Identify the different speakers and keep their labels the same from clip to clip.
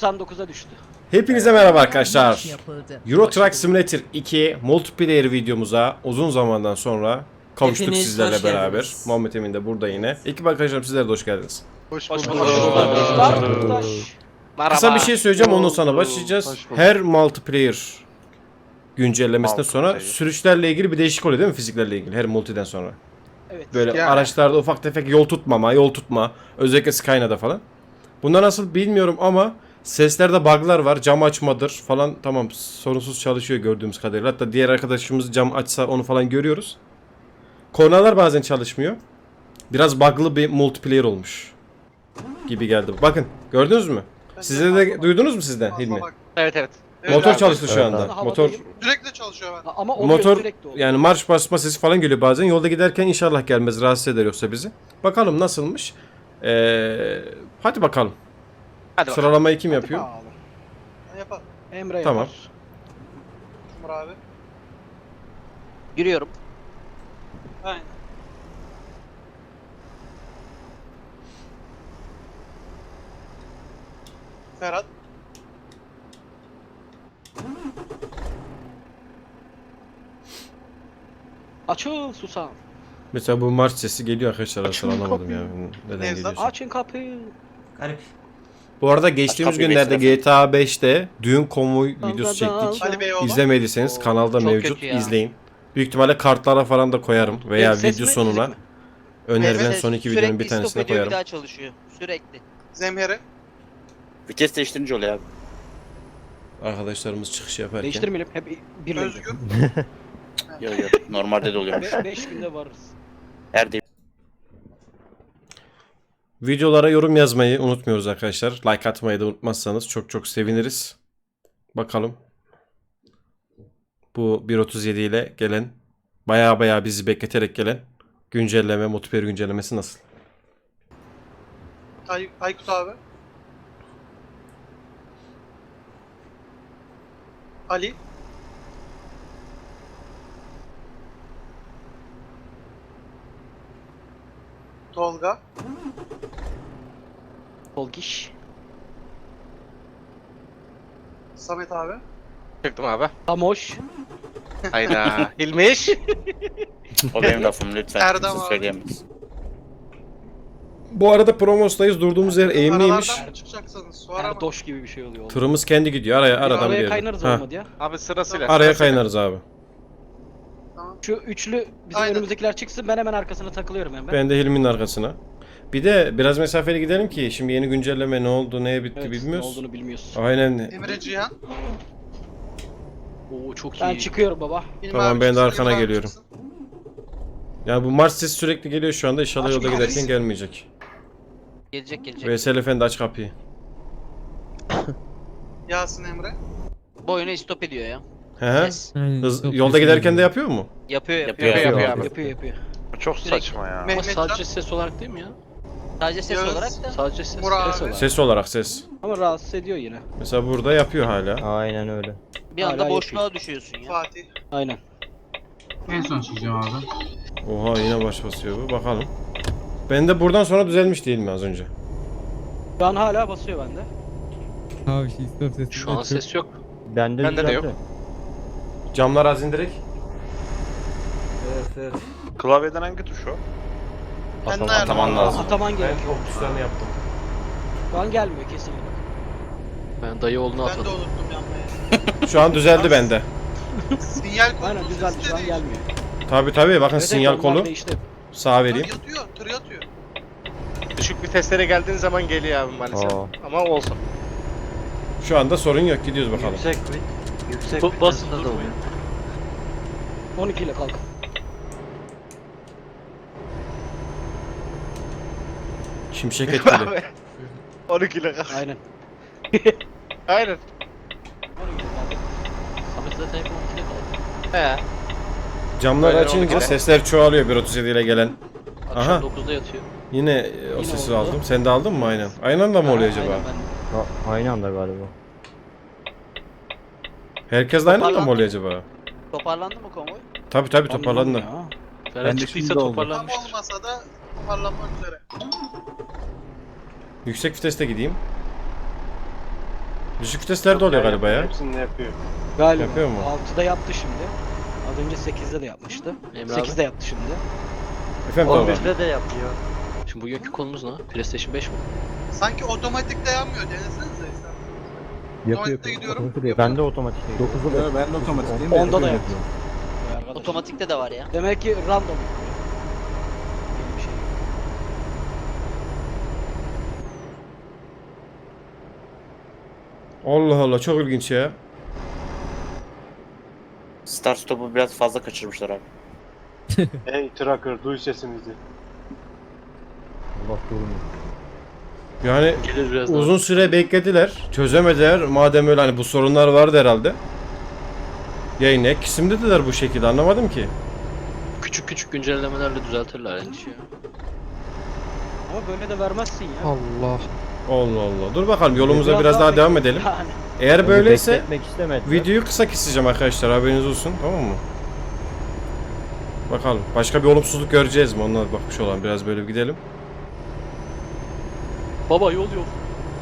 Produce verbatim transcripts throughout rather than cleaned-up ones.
Speaker 1: doksan dokuza düştü.
Speaker 2: Hepinize merhaba arkadaşlar. Euro Truck Simulator iki multiplayer videomuza uzun zamandan sonra kavuştuk
Speaker 3: Hepiniz
Speaker 2: sizlerle
Speaker 3: hoş
Speaker 2: beraber.
Speaker 3: geldiniz.
Speaker 2: Muhammed Emin de burada yine. Ekip arkadaşlarım sizlere de hoş geldiniz.
Speaker 4: Hoş
Speaker 1: Hoş
Speaker 4: bulduk.
Speaker 1: bulduk arkadaşlar. Merhaba.
Speaker 2: Kısa bir şey söyleyeceğim, ondan sonra başlayacağız. Her multiplayer güncellemesinden sonra sürüşlerle ilgili bir değişik oluyor değil mi, fiziklerle ilgili her multiden sonra?
Speaker 1: Evet.
Speaker 2: Böyle
Speaker 4: Yani.
Speaker 2: araçlarda ufak tefek yol tutmama, yol tutma, özellikle Skyna'da falan. Bunlar nasıl bilmiyorum ama seslerde bug'lar var, cam açmadır falan, tamam sorunsuz çalışıyor gördüğümüz kadarıyla. Hatta diğer arkadaşımız cam açsa onu falan görüyoruz. Kornalar bazen çalışmıyor. Biraz bug'lı bir multiplayer olmuş gibi geldi. Bakın gördünüz mü? Sizde de duydunuz mu sizden Hilmi?
Speaker 1: Evet evet.
Speaker 2: Motor
Speaker 4: abi.
Speaker 2: çalıştı şu
Speaker 3: Evet
Speaker 2: anda.
Speaker 1: abi.
Speaker 2: Motor
Speaker 4: Sürekli çalışıyor ben.
Speaker 1: Ama oluyor,
Speaker 2: motor
Speaker 1: sürekli oluyor.
Speaker 2: yani marş basma sesi falan geliyor bazen. Yolda giderken inşallah gelmez, rahatsız eder yoksa bizi. Bakalım nasılmış. Ee, hadi bakalım.
Speaker 1: Hadi bakalım.
Speaker 2: Sıralamayı kim yapıyor?
Speaker 1: Bakalım.
Speaker 4: Ne yapalım?
Speaker 1: Emre
Speaker 2: Tamam.
Speaker 1: yapar.
Speaker 4: Umur abi.
Speaker 1: Giriyorum.
Speaker 4: Aynen. Ferhat.
Speaker 1: Açıl susam.
Speaker 2: Mesela bu marş sesi geliyor arkadaşlar, aslında anlamadım ya. Neden
Speaker 4: Nevzat.
Speaker 2: geliyorsa.
Speaker 1: Açın kapıyı.
Speaker 3: Garip.
Speaker 2: Bu arada geçtiğimiz
Speaker 5: kapıyı
Speaker 2: günlerde
Speaker 5: bekle.
Speaker 2: G T A beşte düğün konvoy videosu çektik.
Speaker 4: Ali Beyoğlu.
Speaker 2: İzlemediyseniz
Speaker 1: Oo,
Speaker 2: kanalda
Speaker 1: çok
Speaker 2: mevcut,
Speaker 1: kötü ya.
Speaker 2: izleyin. Büyük ihtimalle kartlara falan da koyarım veya
Speaker 1: Benim ses
Speaker 2: video
Speaker 1: mi,
Speaker 2: sonuna
Speaker 1: müzik mi?
Speaker 2: önerilen
Speaker 5: Evet,
Speaker 2: son iki
Speaker 5: sürekli
Speaker 2: videonun bir
Speaker 5: stop
Speaker 2: tanesine
Speaker 5: ediyor,
Speaker 2: koyarım.
Speaker 5: bir daha çalışıyor. Sürekli.
Speaker 4: Zemhere.
Speaker 5: Vites değiştirince oluyor abi.
Speaker 2: Arkadaşlarımız çıkış yaparken.
Speaker 1: Değiştirmeyelim. Hep birlikte.
Speaker 4: Özgür.
Speaker 5: Yok yok. Normalde de oluyormuş.
Speaker 1: 5 günde varırız.
Speaker 5: Her değil.
Speaker 2: Videolara yorum yazmayı unutmuyoruz arkadaşlar. Like atmayı da unutmazsanız çok çok seviniriz. Bakalım. Bu bir nokta otuz yedi ile gelen, baya baya bizi bekleterek gelen güncelleme, multiplayer güncellemesi nasıl?
Speaker 4: Ay Aykut abi. Ali. Tolga.
Speaker 1: Polgiş.
Speaker 4: Samet abi.
Speaker 6: Çıktım abi.
Speaker 1: Tamoş.
Speaker 6: Hayda. Hilmiş.
Speaker 5: O benim lafım lütfen.
Speaker 4: Erdem
Speaker 5: Kimse
Speaker 4: abi.
Speaker 5: söyleyemez.
Speaker 2: Bu arada Promos'tayız. Durduğumuz yer eğimliymiş.
Speaker 4: Aralardan mı çıkacaksınız? Sonra mı?
Speaker 1: Erdoş gibi bir şey oluyor. oğlum.
Speaker 2: Tırımız kendi gidiyor. Araya,
Speaker 1: Bir
Speaker 2: aradan bir
Speaker 1: araya
Speaker 2: yere.
Speaker 1: kaynarız
Speaker 2: Ha,
Speaker 1: olmadı ya.
Speaker 6: Abi sırasıyla.
Speaker 2: araya
Speaker 6: sırasıyla.
Speaker 2: kaynarız abi.
Speaker 4: Tamam.
Speaker 1: Şu üçlü bizim
Speaker 4: Aynen.
Speaker 1: önümüzdekiler çıksın, ben hemen arkasına takılıyorum hemen.
Speaker 2: Ben de Hilmi'nin arkasına. Bir de biraz mesafeli gidelim ki şimdi yeni güncelleme ne oldu, neye bitti
Speaker 1: Evet, ne
Speaker 2: bilmiyoruz.
Speaker 1: olduğunu bilmiyorsun.
Speaker 2: Aynen.
Speaker 4: Emre Cihan.
Speaker 1: Oo çok iyi. Ben çıkıyorum baba.
Speaker 4: İlmi
Speaker 2: Tamam,
Speaker 4: abi
Speaker 2: ben de
Speaker 4: çıksın,
Speaker 2: arkana
Speaker 4: İlmi abi
Speaker 2: geliyorum.
Speaker 4: çıksın.
Speaker 2: Yani bu marş sesi sürekli geliyor şu anda. İnşallah
Speaker 1: Aç
Speaker 2: yolda
Speaker 1: kapıyı.
Speaker 2: giderken gelmeyecek.
Speaker 5: Gelecek gelecek.
Speaker 2: Veysel Efendi aç kapıyı.
Speaker 4: Yasin Emre.
Speaker 5: Bu oyunu stop ediyor ya.
Speaker 2: He he.
Speaker 5: Ses.
Speaker 2: Hız, yolda giderken de yapıyor mu?
Speaker 5: Yapıyor yapıyor.
Speaker 6: Yapıyor,
Speaker 5: yapıyor.
Speaker 6: yapıyor abi.
Speaker 1: Yapıyor yapıyor.
Speaker 6: Çok saçma ya.
Speaker 1: Ama
Speaker 4: Mehmet
Speaker 1: sadece
Speaker 4: Can.
Speaker 1: ses olarak değil mi ya?
Speaker 5: Sadece ses
Speaker 4: Yağız.
Speaker 5: olarak da.
Speaker 1: Sadece ses,
Speaker 4: Murat
Speaker 1: ses
Speaker 4: abi.
Speaker 1: olarak.
Speaker 2: Ses olarak ses.
Speaker 1: Ama rahatsız ediyor yine.
Speaker 2: Mesela burada yapıyor hala.
Speaker 3: Aynen öyle.
Speaker 5: Bir anda
Speaker 1: Hala
Speaker 5: boşluğa düşüyorsun ya.
Speaker 4: Fatih.
Speaker 1: Aynen.
Speaker 7: En son çıkacağım abi.
Speaker 2: Oha, yine baş basıyor bu. Bakalım. Ben de buradan sonra düzelmiş değil mi az önce?
Speaker 1: Şu an hala basıyor bende.
Speaker 7: Abi şey stop sesi.
Speaker 6: Şu an ses yok.
Speaker 3: Bende,
Speaker 6: Bende de yok.
Speaker 2: Camlar az indirek.
Speaker 6: Klavyeden hangi tuş o?
Speaker 4: Ben de
Speaker 5: Ataman lazım.
Speaker 1: Ataman
Speaker 2: Ben
Speaker 1: gerekiyor.
Speaker 2: çok tuşlarını yaptım.
Speaker 1: Şu an gelmiyor kesinlikle. Ben dayı oğlunu
Speaker 4: Ben de unuttum yapmayı.
Speaker 2: Şu an düzeldi bende.
Speaker 4: Sinyal kolu
Speaker 1: Aynen düzeldi, şu an gelmiyor.
Speaker 2: Tabi tabi, bakın
Speaker 1: Evet,
Speaker 2: sinyal
Speaker 1: evet, onlar
Speaker 2: kolu.
Speaker 1: değişti.
Speaker 2: Sağa vereyim.
Speaker 4: Yatıyor, tır yatıyor.
Speaker 6: Düşük viteslere geldiğin zaman geliyor abi maalesef.
Speaker 3: Aa.
Speaker 6: Ama olsun.
Speaker 2: Şu anda sorun yok, gidiyoruz bakalım.
Speaker 3: Yüksek mi? Yüksek
Speaker 1: Bu- basın
Speaker 3: da oluyor.
Speaker 1: on iki ile kalk.
Speaker 2: Şimşek etkili.
Speaker 6: on iki ile kalk.
Speaker 1: Aynen.
Speaker 6: Aynen.
Speaker 1: on iki ile kalk. Samet zaten hep on iki ile kalk.
Speaker 6: He.
Speaker 2: Camları
Speaker 6: Böyle
Speaker 2: açınca
Speaker 6: oldu.
Speaker 2: sesler çoğalıyor bir nokta otuz yedi ile gelen.
Speaker 1: Akşam
Speaker 2: Aha.
Speaker 1: dokuzda yatıyor.
Speaker 2: Yine e, o
Speaker 1: Yine
Speaker 2: sesi
Speaker 1: oldu.
Speaker 2: aldım. Sen de aldın mı aynen? Aynı anda mı oluyor acaba?
Speaker 1: Aynen, ben-
Speaker 3: Ha, aynı anda galiba.
Speaker 2: Herkes de aynı anda mı oluyor acaba?
Speaker 5: Toparlandı mı konvoy?
Speaker 2: Tabi tabi toparlandı.
Speaker 1: Ya. Ferhat çıktıysa
Speaker 4: Tam
Speaker 1: toparlanmıştır.
Speaker 4: olmasa da toparlanmak üzere.
Speaker 2: Yüksek viteste gideyim. Düşük viteslerde oluyor galiba ya.
Speaker 6: Hepsini yapıyor.
Speaker 8: Galiba.
Speaker 2: Yapıyor mu?
Speaker 8: altıda yaptı şimdi. Az önce sekizde de yapmıştı.
Speaker 1: Emre abi.
Speaker 8: sekizde yaptı şimdi.
Speaker 2: Efendim
Speaker 3: on
Speaker 2: Tolga.
Speaker 3: birde de yapıyor.
Speaker 1: Şimdi bugünkü konumuz ne? PlayStation beş mi?
Speaker 4: Sanki otomatik dayanmıyor. Denesenize ister. Otomatikte gidiyorum.
Speaker 3: Ben de otomatik değil.
Speaker 9: dokuzda ben de otomatikteyim.
Speaker 8: onda da yapıyor. Arkadaş.
Speaker 5: Otomatikte de var ya.
Speaker 8: Demek ki random. Yeni bir şey.
Speaker 2: Allah Allah çok ilginç ya.
Speaker 10: Start stop'u biraz fazla kaçırmışlar abi.
Speaker 6: Hey tracker duy sesimizi.
Speaker 3: Allah durmuyor.
Speaker 2: Yani
Speaker 1: Gelir biraz daha.
Speaker 2: uzun süre beklediler. Çözemediler. Madem öyle hani bu sorunlar vardı herhalde. Yayın ek kısım dediler bu şekilde anlamadım ki.
Speaker 1: Küçük küçük güncellemelerle düzeltirler endişeyi.
Speaker 8: Ama böyle de vermezsin ya.
Speaker 7: Allah.
Speaker 2: Allah Allah. Dur bakalım yolumuza biraz,
Speaker 8: Biraz
Speaker 2: daha
Speaker 8: daha
Speaker 2: devam
Speaker 8: bekle.
Speaker 2: edelim.
Speaker 8: Yani.
Speaker 2: Eğer böyleyse
Speaker 3: Bekletmek istemediler.
Speaker 2: videoyu kısa keseceğim arkadaşlar haberiniz olsun tamam mı? Bakalım başka bir olumsuzluk göreceğiz mi ondan bakmış olan biraz böyle bir gidelim.
Speaker 1: Baba yol yok.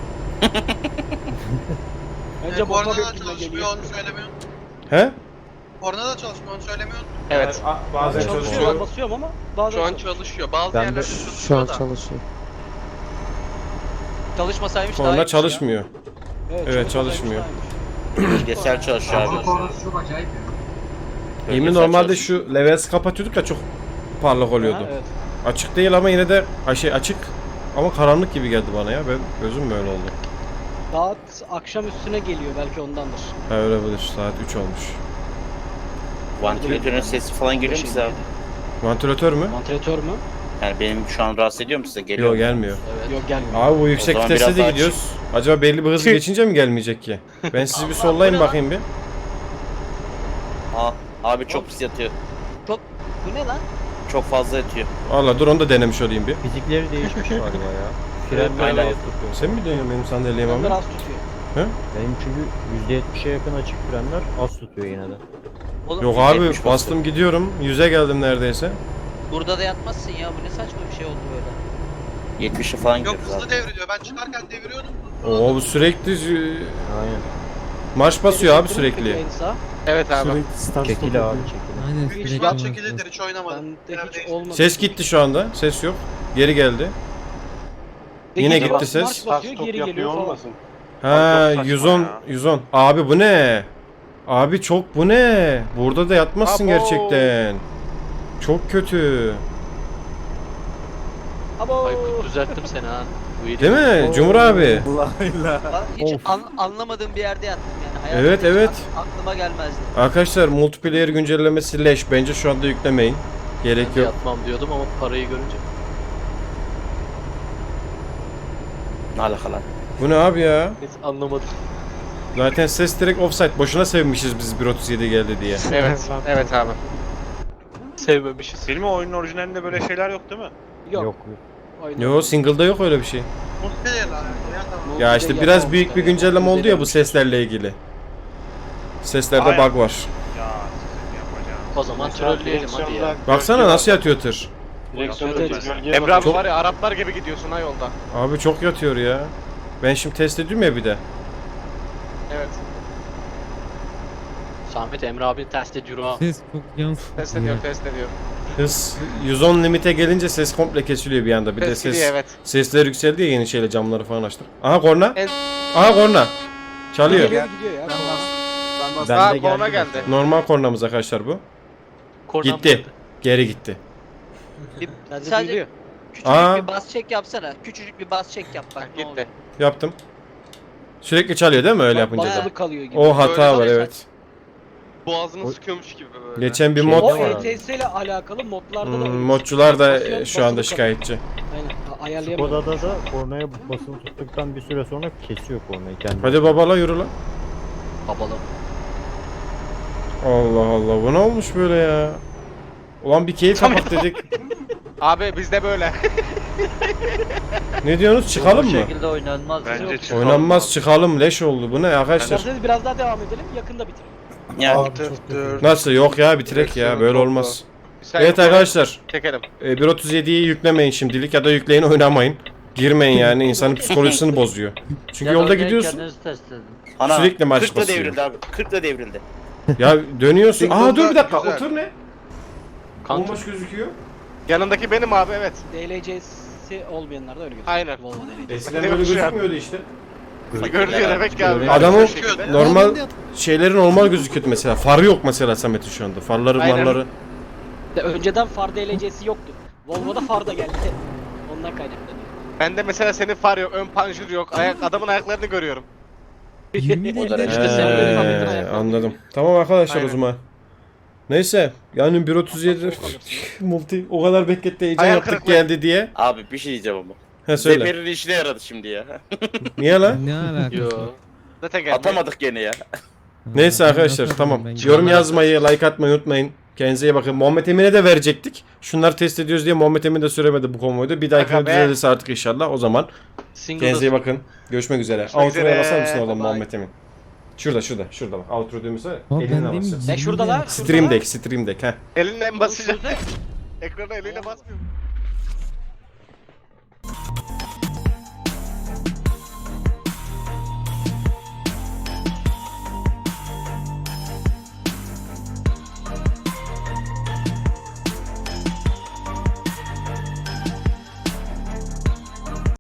Speaker 8: Bence
Speaker 4: E,
Speaker 8: bomba
Speaker 4: korna da
Speaker 8: bekliyor
Speaker 4: çalışmıyor
Speaker 8: geliyor.
Speaker 4: onu söylemiyorsun.
Speaker 2: He?
Speaker 4: Korna da çalışmıyor onu söylemiyorsun.
Speaker 6: Evet.
Speaker 2: Bazen
Speaker 8: Çalışıyor,
Speaker 2: çalışıyor.
Speaker 8: ben basıyorum ama bazen
Speaker 4: Şu an
Speaker 8: çalışıyor.
Speaker 4: çalışıyor. Bazı
Speaker 3: Ben de-
Speaker 4: yerlerde çalışıyor da.
Speaker 7: çalışıyor.
Speaker 5: Çalışmasaymış daha
Speaker 2: Sonra
Speaker 5: iyiymiş ya.
Speaker 2: çalışmıyor. Evet, çalışmıyor.
Speaker 10: Bilgisayar çalışıyor abi.
Speaker 7: çok acayip ya.
Speaker 2: Yemin
Speaker 10: Bilgisayar
Speaker 2: normalde
Speaker 10: çalışıyor.
Speaker 2: şu levels kapatıyorduk ya çok parlak oluyordu.
Speaker 8: Ha, evet.
Speaker 2: Açık değil ama yine de ha, şey açık ama karanlık gibi geldi bana ya. Ben gözüm böyle oldu.
Speaker 8: Saat akşam üstüne geliyor belki ondandır.
Speaker 2: Ha öyle olabilir. Saat üç olmuş.
Speaker 10: Vantilatörün sesi falan geliyor mu size abi?
Speaker 2: Vantilatör mü?
Speaker 8: Vantilatör mü?
Speaker 10: Yani benim şu an rahatsız ediyor mu size? Geliyor
Speaker 2: Yok
Speaker 10: mu?
Speaker 2: gelmiyor.
Speaker 1: Evet.
Speaker 8: Yok gelmiyor.
Speaker 2: Abi bu yüksek
Speaker 10: zaman
Speaker 2: viteste
Speaker 10: biraz
Speaker 2: de
Speaker 10: daha
Speaker 2: gidiyoruz. Acaba belli bir hız geçince mi gelmeyecek ki? Ben sizi bir sollayayım bakayım bir.
Speaker 10: Aa, abi çok pis yatıyor.
Speaker 5: Bu ne lan?
Speaker 10: Çok fazla yatıyor.
Speaker 2: Allah dur onu da denemiş olayım bir.
Speaker 3: Fizikleri değişmiş galiba ya. Frenler
Speaker 10: aynen.
Speaker 3: az tutuyor.
Speaker 2: Sen mi dönüyorsun benim sandalyemi
Speaker 8: Onlar
Speaker 2: abi?
Speaker 8: az tutuyor.
Speaker 3: Benim çünkü yüzde yetmişe yakın açık frenler az tutuyor yine de.
Speaker 5: Oğlum,
Speaker 2: Yok
Speaker 5: yüz
Speaker 2: abi
Speaker 5: yetmiş
Speaker 2: bastım gidiyorum. Yüze geldim neredeyse.
Speaker 5: Burada da yatmazsın ya. Bu ne saçma bir şey oldu böyle.
Speaker 10: yetmişe falan
Speaker 4: Yok
Speaker 10: gidiyoruz
Speaker 4: hızlı
Speaker 10: abi.
Speaker 4: devriliyor. Ben çıkarken deviriyordum.
Speaker 2: Oo bu sürekli
Speaker 3: Aynen.
Speaker 2: marş basıyor abi
Speaker 8: Çektirin mi peki
Speaker 2: sürekli.
Speaker 8: en sağ?
Speaker 6: Evet abi.
Speaker 3: Çekili abi çekili.
Speaker 7: Aynen.
Speaker 4: Hiç
Speaker 7: sürekli
Speaker 4: yan
Speaker 7: var.
Speaker 4: çekilidir hiç oynamadım.
Speaker 8: Bende hiç
Speaker 4: Neredeyse.
Speaker 8: olmadı.
Speaker 2: Ses gitti şu anda. Ses yok. Geri geldi. Yine
Speaker 8: Geri
Speaker 2: gitti
Speaker 8: bas-
Speaker 2: ses.
Speaker 8: marş
Speaker 6: Start
Speaker 8: basıyor,
Speaker 6: stop
Speaker 8: geri
Speaker 6: yapıyor
Speaker 8: geliyor falan.
Speaker 6: olmasın?
Speaker 2: Ha
Speaker 6: Abi çok saçma
Speaker 2: yüz on
Speaker 6: ya.
Speaker 2: yüz on. Abi bu ne? Abi çok bu ne? Burada da yatmazsın
Speaker 6: Abo.
Speaker 2: gerçekten. Çok kötü.
Speaker 8: Abo.
Speaker 1: Aykut düzelttim seni ha. Bu iyi
Speaker 2: Değil mi? Cumhur abi.
Speaker 5: Lan hiç
Speaker 3: Of.
Speaker 5: an- anlamadığım bir yerde yattım yani. Hayatımda
Speaker 2: Evet,
Speaker 5: hiç
Speaker 2: evet.
Speaker 5: ak- aklıma gelmezdi.
Speaker 2: Arkadaşlar multiplayer güncellemesi leş. Bence şu anda yüklemeyin. Gerek
Speaker 1: Ben de
Speaker 2: yok.
Speaker 1: yatmam diyordum ama parayı görünce.
Speaker 10: Ne alakalar?
Speaker 2: Bu ne abi ya?
Speaker 1: Hiç anlamadım.
Speaker 2: Zaten ses direkt offside. Boşuna sevmişiz biz bir otuz yedi geldi diye.
Speaker 6: Evet. Evet abi.
Speaker 1: Sevmemişiz.
Speaker 6: Filmi oyunun orijinalinde böyle şeyler yok değil mi?
Speaker 8: Yok.
Speaker 3: Yok.
Speaker 8: Oynadım.
Speaker 2: Yo single'da yok öyle bir şey.
Speaker 4: Multiplayer'la alakalı ya tamam.
Speaker 2: Ya işte biraz büyük bir güncelleme oldu ya bu seslerle ilgili. Seslerde
Speaker 6: Aynen.
Speaker 2: bug var.
Speaker 6: Ya sizin yapacağınız.
Speaker 1: O zaman trolleyelim hadi ya.
Speaker 2: Baksana nasıl yatıyor tır.
Speaker 6: Direksiyonda
Speaker 8: Evet.
Speaker 6: gölgeye Emre abi var ya Araplar gibi gidiyorsun ha yolda.
Speaker 2: Abi çok yatıyor ya. Ben şimdi test ediyorum ya bir de.
Speaker 6: Evet.
Speaker 1: Samet Emre abi test ediyor ha.
Speaker 7: Ses çok yansıdı.
Speaker 6: Test ediyor, test ediyor.
Speaker 2: Hız yüz on limite gelince ses komple kesiliyor bir anda. Bir de
Speaker 6: Test
Speaker 2: ses
Speaker 6: gidiyor evet.
Speaker 2: sesler yükseldi ya yeni şeyle camları falan açtık. Aha korna.
Speaker 6: En-
Speaker 2: Aha korna. Çalıyor.
Speaker 8: Geliyor gidiyor ya.
Speaker 3: Ben
Speaker 6: Aa
Speaker 3: de
Speaker 6: korna
Speaker 3: geldi.
Speaker 6: geldi.
Speaker 2: Normal kornamız arkadaşlar bu.
Speaker 1: Kornam
Speaker 2: Gitti.
Speaker 1: geldi.
Speaker 2: Geri gitti.
Speaker 5: Bir,
Speaker 8: Sadece
Speaker 5: sadece
Speaker 8: duyuluyor.
Speaker 5: küçücük
Speaker 2: Aa.
Speaker 5: bir bas çek yapsana. Küçücük bir bas çek yap bak ne olur.
Speaker 6: Gitti.
Speaker 2: Yaptım. Sürekli çalıyor değil mi öyle yapınca da?
Speaker 8: Basılı kalıyor gibi.
Speaker 2: O hata
Speaker 4: Böyle
Speaker 2: var
Speaker 4: de-
Speaker 2: evet.
Speaker 6: Boğazını sıkıyormuş gibi böyle.
Speaker 2: Geçen bir
Speaker 3: Şey
Speaker 2: mod
Speaker 3: de
Speaker 8: O
Speaker 3: var
Speaker 8: E
Speaker 3: abi.
Speaker 8: T S ile alakalı modlarda da
Speaker 2: Hmm,
Speaker 8: öyle.
Speaker 2: modcular da
Speaker 8: Basıyor,
Speaker 2: e, şu anda
Speaker 8: basılı
Speaker 2: şikayetçi.
Speaker 8: Aynen. a- Ayarlayamıyorum.
Speaker 3: Kodada da kornaya basılı tuttuktan bir süre sonra kesiyor kornayı kendi.
Speaker 2: Hadi babala yürü lan.
Speaker 1: Babalı.
Speaker 2: Allah Allah bu ne olmuş böyle ya? Ulan bir keyif kapat dedik.
Speaker 6: Abi bizde böyle.
Speaker 2: Ne diyorsunuz çıkalım mı?
Speaker 5: şekilde oynanmaz.
Speaker 6: Bence
Speaker 5: Yok.
Speaker 6: çıkalım.
Speaker 2: Oynanmaz çıkalım leş oldu bu ne arkadaşlar?
Speaker 8: İsterseniz biraz daha devam edelim. Yakında bitirelim.
Speaker 10: Yani
Speaker 2: Nasıl yok ya bitirek ya böyle olmaz.
Speaker 6: Sen
Speaker 2: Evet arkadaşlar
Speaker 6: Çekelim.
Speaker 2: e, bir otuz yediyi yüklemeyin şimdilik ya da yükleyin oynamayın. girmeyin yani insanın psikolojisini bozuyor. Çünkü
Speaker 1: Ya
Speaker 2: yolda
Speaker 1: oynayın,
Speaker 2: gidiyorsun.
Speaker 1: kendinizi test edin.
Speaker 10: Ana,
Speaker 2: Sürekli marş
Speaker 10: kırkla
Speaker 2: basıyor.
Speaker 10: devrildi abi. kırkla devrildi.
Speaker 2: Ya dönüyorsun.
Speaker 4: Single
Speaker 2: Aa dur bir dakika.
Speaker 4: güzel.
Speaker 2: Otur ne?
Speaker 6: Kanka.
Speaker 2: Bomboş gözüküyor.
Speaker 6: Yanındaki benim abi evet.
Speaker 8: D L C'si olmayanlar da öyle gözüküyor.
Speaker 6: Aynen.
Speaker 8: Volvo D L C.
Speaker 2: Eskiden
Speaker 6: Ne
Speaker 2: böyle
Speaker 6: yapmış ya?
Speaker 2: gözükmüyordu işte.
Speaker 6: Görünüyor demek ki abi.
Speaker 2: Adamın
Speaker 6: Bu şekilde.
Speaker 2: normal şeyleri normal gözüküyordu mesela. Farı yok mesela Samet'in şu anda. Farları
Speaker 6: Aynen.
Speaker 2: marları.
Speaker 8: De önceden far D L C'si yoktu. Volvo'da far da geldi. Ondan kaynaklanıyor.
Speaker 6: Bende mesela senin far yok, ön panjur yok. Ayak, adamın ayaklarını görüyorum.
Speaker 7: yirmi
Speaker 10: O da
Speaker 7: ile
Speaker 1: İşte sen böyle
Speaker 2: Ee,
Speaker 1: fabrikası
Speaker 2: anladım. Tamam arkadaşlar
Speaker 6: Aynen.
Speaker 2: o zaman. Neyse yani bir otuz yedi multi o kadar bekletti heyecan
Speaker 6: Hayal
Speaker 2: yaptık
Speaker 6: kırıklığı.
Speaker 2: geldi diye.
Speaker 10: Abi bir şey diyeceğim ama.
Speaker 2: He söyle.
Speaker 10: Zeper'in işine yaradı şimdi ya.
Speaker 2: Niye lan?
Speaker 7: Ne alakası
Speaker 1: Yo.
Speaker 7: var?
Speaker 6: Zaten geldi.
Speaker 10: Atamadık gene ya.
Speaker 2: Neyse
Speaker 7: Ben
Speaker 2: arkadaşlar
Speaker 7: yaparım,
Speaker 2: tamam.
Speaker 7: ben
Speaker 2: Yorum
Speaker 7: yaparım.
Speaker 2: yazmayı, like atmayı unutmayın. Kendinize iyi bakın. Muhammed Emin'e de verecektik. Şunları test ediyoruz diye Muhammed Emin de süremedi bu konvoyda. Bir dahakine
Speaker 6: Aga be.
Speaker 2: düzelirse artık inşallah. O zaman
Speaker 1: Single
Speaker 2: kendinize iyi bakın. Görüşmek üzere.
Speaker 6: Görüşmek
Speaker 2: Outro'ya
Speaker 6: üzere.
Speaker 2: basar mısın oradan
Speaker 6: Bye bye.
Speaker 2: Muhammed Emin? Şurada şurada şurada bak. Outro düğmesi var ya.
Speaker 7: Ama ben
Speaker 2: Elinle
Speaker 7: demin
Speaker 2: basıyorsun.
Speaker 8: Ne şurada lan?
Speaker 7: yirmi ile-
Speaker 2: Stream Deck, Stream Deck ha.
Speaker 6: Elinle mi basacak? Ekrana eliyle basmıyor mu?